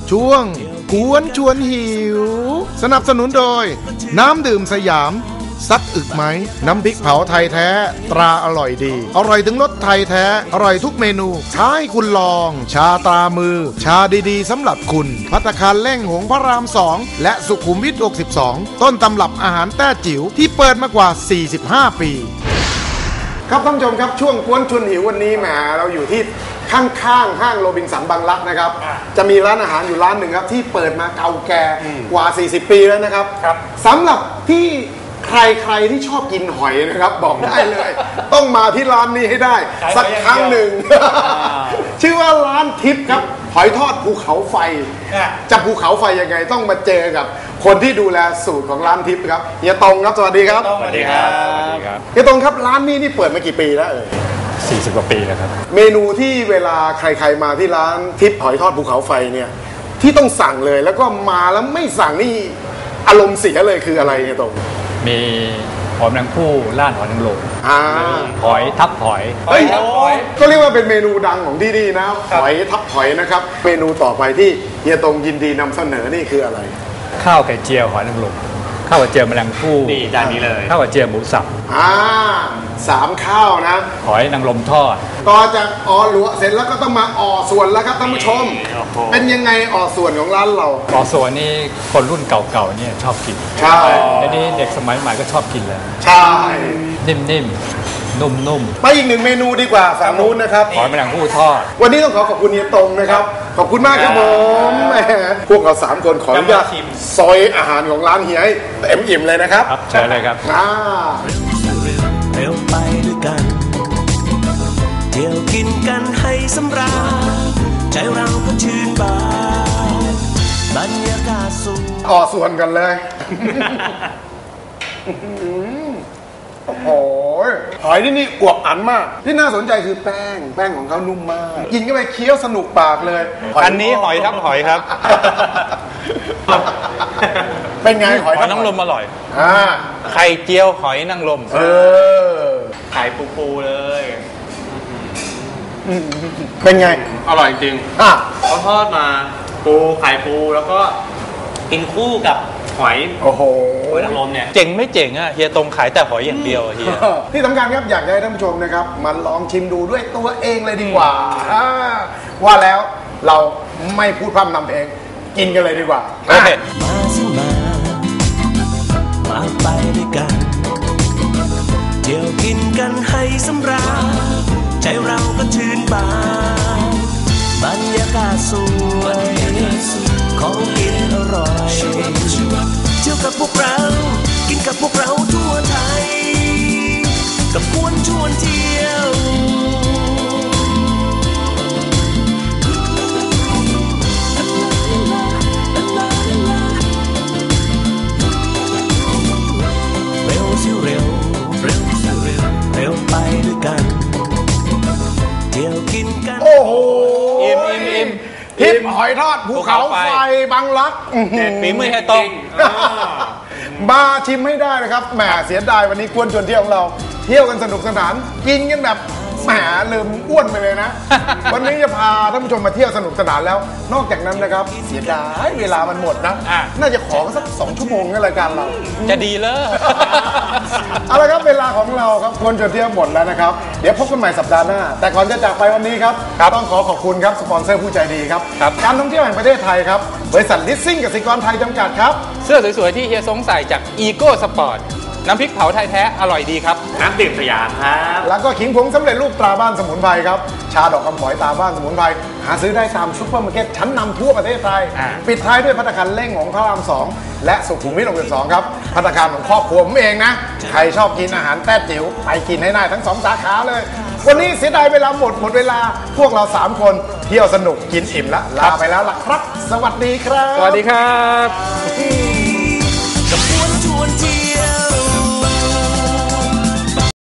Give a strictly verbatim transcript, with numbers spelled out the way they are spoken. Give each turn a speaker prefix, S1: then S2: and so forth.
S1: ช่วงกวนชวนหิวสนับสนุนโดยน้ำดื่มสยามซักอึกไหมน้ำพริกเผาไทยแท้ตราอร่อยดีอร่อยถึงรสไทยแท้อร่อยทุกเมนูท้าให้คุณลองชาตรามือชาดีๆสำหรับคุณภัตตาคารเล่งหงพระรามสองและสุขุมวิทหกสิบสองต้นตำรับอาหารแต้จิ๋วที่เปิดมากว่าสี่สิบห้าปีครับท่านผู้ชมครับช่วงกวนชวนหิววันนี้แหมเราอยู่ที่ข้างๆห้างโรบินสันบางรักนะครับจะมีร้านอาหารอยู่ร้านหนึ่งครับที่เปิดมาเก่าแก่กว่าสี่สิบปีแล้วนะครับสำหรับที่ใครๆที่ชอบกินหอยนะครับบอกได้เลยต้องมาที่ร้านนี้ให้ได้สักครั้งหนึ่งชื่อว่าร้านทิพย์ครับหอยทอดภูเขาไฟจะภูเขาไฟยังไงต้องมาเจอกับคนที่ดูแลสูตรของร้านทิพย์ครับเฮียตงครับสวัสดีครับ
S2: สวัสดีครับ
S1: เฮียตงครับร้านนี้นี่เปิดมากี่ปีแล้วเอ่ย
S2: สี่สิบกว่าปีแล้วครับ
S1: เมนูที่เวลาใครๆมาที่ร้านทิพย์หอยทอดภูเขาไฟเนี่ยที่ต้องสั่งเลยแล้วก็มาแล้วไม่สั่งนี่อารมณ์เสียเลยคืออะไรเฮียตง
S2: มีหอยแมงผู้ล่านหอยนางรมหอยทับหอย
S1: เฮ้ยก็เรียกว่าเป็นเมนูดังของที่นี่นะหอยทับหอยนะครับเมนูต่อไปที่เฮียตงยินดีนำเสนอนี่คืออะไร
S2: ข้าวไข่เจียวหอยนางรมข้าวไข่เจียวแมลงภู่
S3: นี่จานนี้เลย
S2: ข้าวไข่เจียวหมูสับ
S1: อ่าสามข้าวนะ
S2: หอยนางรมทอด
S1: ต่อจากอ่อหลวเสร็จแล้วก็ต้องมาอ่อส่วนแล้วครับท่านผู้ชมเป็นยังไงอ่อส่วนของร้านเรา
S2: อ่อส่วนนี่คนรุ่นเก่าๆเนี่ยชอบกิน
S1: ใช่
S2: แล้วนี่เด็กสมัยใหม่ก็ชอบกินแล้ว
S1: ใช่
S2: นิ่มๆนุ่มๆ
S1: ไปอีกหนึ่งเมนูดีกว่าฝั่งนู้นนะครับ
S2: หอยแมลงภู่ทอด
S1: วันนี้ต้องขอขอบคุณเฮียตงนะครับขอบคุณมากครับผมพวกเราสามคนขออนุญาตซอยอาหารของร้านเฮียให้เต็มอิ่มเลยนะครับ
S2: ครับเชิญเลยครับ
S1: อ่า
S4: เร็วไปด้วยกันเที่ยวกินกันให้สำราญใจเราก็ชื่นบานบรรยากาศสูง
S1: อ่อส่วนกันเลยโอ้โหหอยที่นี่อวบอันมากที่น่าสนใจคือแป้งแป้งของเขานุ่มมากกินเข้าไปเคี้ยวสนุกปากเลย
S3: อันนี้หอยทับหอยครับ
S1: เป็นไงหอย
S3: นางรมอร่อย
S1: อ่า
S3: ไข่เจียวหอยนางรม
S1: เออ
S3: ไข่ปูๆเลย
S1: เป็นไง
S3: อร่อยจริง
S1: อ่ะ
S3: เขาทอดมาปูไข่ปูแล้วก็กินคู่กับหอย
S1: โอ้โห
S3: หอยนางรมเนี่ยเจ๋งไม่เจ๋งอ่ะเฮียตรงขายแต่หอยอย่างเดียวเฮีย
S1: ที่สำคัญครับอยากให้ท่านผู้ชมนะครับมาลองชิมดูด้วยตัวเองเลยดีกว่าว่าแล้วเราไม่พูดพร่ำนำเพลงกินกันเลยดีกว่า
S4: โอเคมาสิมามาไปด้วยกันเที่ยวกินกันให้สำราญใจเราก็ชื่นบานบรรยากาศสวยของกินอร่อยเที่ยวกับพวกเรากินกับพวกเราทั่วไทยกับกวนชวนเที่ยวเร็วสิเร็วเร็วสิเร็วเร็วไปด้วยกันเที่ยวกินกัน
S1: โอ้โห
S3: อิ่มอิ่มอิ่ม
S1: ทิพย์หอยทอดภูเขาไฟบางรัก
S3: เด็ดฝีมือให้ตรง
S1: มาชิมให้ได้นะครับแหมเสียดายวันนี้กวนชวนเที่ยวของเราเที่ยวกันสนุกสนานกินกันแบบแหมลืมอ้วนไปเลยนะวันนี้จะพาท่านผู้ชมมาเที่ยวสนุกสนานแล้วนอกจากนั้นนะครับเสียดายเวลามันหมดนะน่าจะขอสักสองชั่วโมงในรายการเรา
S3: จะดีเลย
S1: เอาละครับเวลาของเราครับกวนชวนเที่ยวหมดแล้วนะครับเดี๋ยวพบกันใหม่สัปดาห์หน้าแต่ก่อนจะจากไปวันนี้ครับต้องขอขอบคุณครับสปอนเซอร์ผู้ใจดีครับการท่องเที่ยวแห่งประเทศไทยครับบริษัทลิสซิ่งกสิกรไทยจำกัดครับ
S3: เสื้อสวยๆที่เฮียสงใส่จากอีโก้สปอร์ตน้ำพริกเผาไทยแท้อร่อยดีครับน้ำดื่มสยามครับ
S1: แล้วก็ขิงผงสำเร็จรูปตราบ้านสมุนไพรครับชาดอกคำฝอยตราบ้านสมุนไพรหาซื้อได้ตามซุปเปอร์มาร์เก็ตชั้นนำทั่วประเทศไทยปิดท้ายด้วยภัตตาคารเล่งของพระรามสองและสุขุมวิทหกสิบสองครับภัตตาคารของครอบครัวผมเองนะใครชอบกินอาหารแต้จิ๋วไปกินให้ได้ทั้งสองสาขาเลยวันนี้เสียดายเวลาหมดหมดเวลาพวกเราสามคนเที่ยวสนุกกินอิ่มละลาไปแล้วล่ะครับสวัสดีครับ
S3: สวัสดีครับ